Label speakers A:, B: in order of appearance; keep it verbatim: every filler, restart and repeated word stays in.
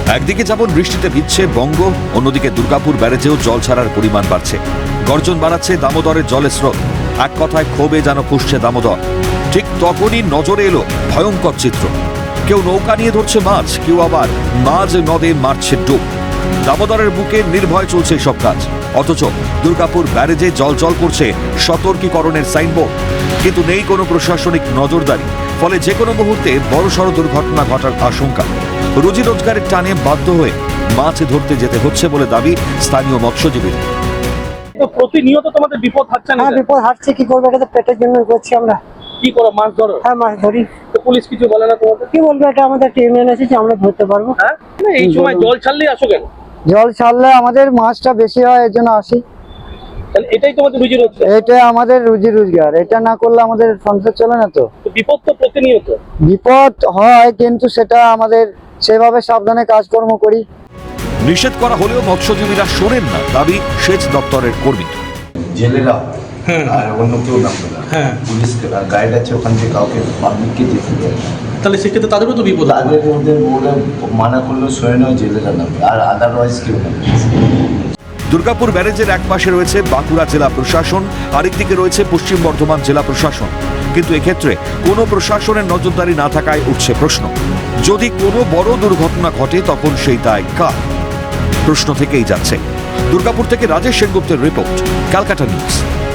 A: একদিকে যেমন বৃষ্টিতে ভিজছে বঙ্গ, অন্যদিকে দুর্গাপুর ব্যারেজেও জল ছাড়ার পরিমাণ বাড়ছে। গর্জন বাড়াচ্ছে দামোদরের জলের স্রোত। এক কথায় ক্ষোভে যেন ফুঁসছে দামোদর। ঠিক তখনই নজরে এলো ভয়ঙ্কর চিত্র। কেউ নৌকা নিয়ে ধরছে মাছ, কেউ আবার মাঝ নদে মারছে ডুব। দামোদরের বুকে নির্ভয় চলছে সব কাজ, অথচ দুর্গাপুর ব্যারেজে জল জল করছে সতর্কীকরণের সাইনবোর্ড, কিন্তু নেই কোনো প্রশাসনিক নজরদারি। ফলে যে কোনো মুহূর্তে বড়সড় দুর্ঘটনা ঘটার আশঙ্কা। রুজি রোজগারের টানে বাধ্য হয়ে মাছ ধরতে যেতে হচ্ছে বলে দাবি স্থানীয় মৎস্যজীবীর।
B: প্রতিনিয়ত তোমাদের বিপদ হাঁটছে না?
C: হ্যাঁ, বিপদ হাঁটছে, কি করবো, এটা তো পেটের জন্য করছি আমরা।
B: কি করো, মাছ ধরো?
C: হ্যাঁ, মাছ ধরি।
B: তো পুলিশ কিছু বলে না তোমাদের?
C: কি বলবো, এটা আমাদের একটা ইউনিয়ন আছে যে আমরা ধরতে পারবো।
B: হ্যাঁ, এই সময় জল ছাড়লেই আসো কেন?
C: জল ছাড়লে আমাদের মাছটা বেশি হয়, এর জন্য আসি।
B: তাহলে এটাই তোমাদের রুজি রোজগার?
C: এটা আমাদের রুজি রোজগার, এটা না করলে আমাদের সংসার চলে না। তো
B: বিপদ তো প্রতিনিয়ত।
C: বিপদ হয়, কিন্তু সেটা আমাদের সেভাবে সাবধানে কাজকর্ম করি।
A: নিষেধ করা হলেও মৎস্যজীবীরা শোনেন না, দাবি সেচ দপ্তরের কর্মী।
D: জেলেরা আর অন্য কেউ নামবে না, পুলিশ গাইড আছে, ওখান থেকে কাউকে পাবলিককে যেতে দেয়।
B: তাহলে সেক্ষেত্রে তাদেরও তো বিপদ।
D: তাদের মধ্যে বলে মানা করলেও স্বয়ং জেলেরা নামবে, আর আদারওয়াইজ কেউ নামবে।
A: দুর্গাপুর ব্যারেজের এক পাশে রয়েছে বাঁকুড়া জেলা প্রশাসন, আরেকদিকে রয়েছে পশ্চিম বর্ধমান জেলা প্রশাসন। কিন্তু এক্ষেত্রে কোনো প্রশাসনের নজরদারি না থাকায় উঠছে প্রশ্ন, যদি কোনো বড় দুর্ঘটনা ঘটে তখন সেই দায় কার? প্রশ্ন থেকেই যাচ্ছে। দুর্গাপুর থেকে রাজেশ সেনগুপ্তের রিপোর্ট, ক্যালকাটা নিউজ।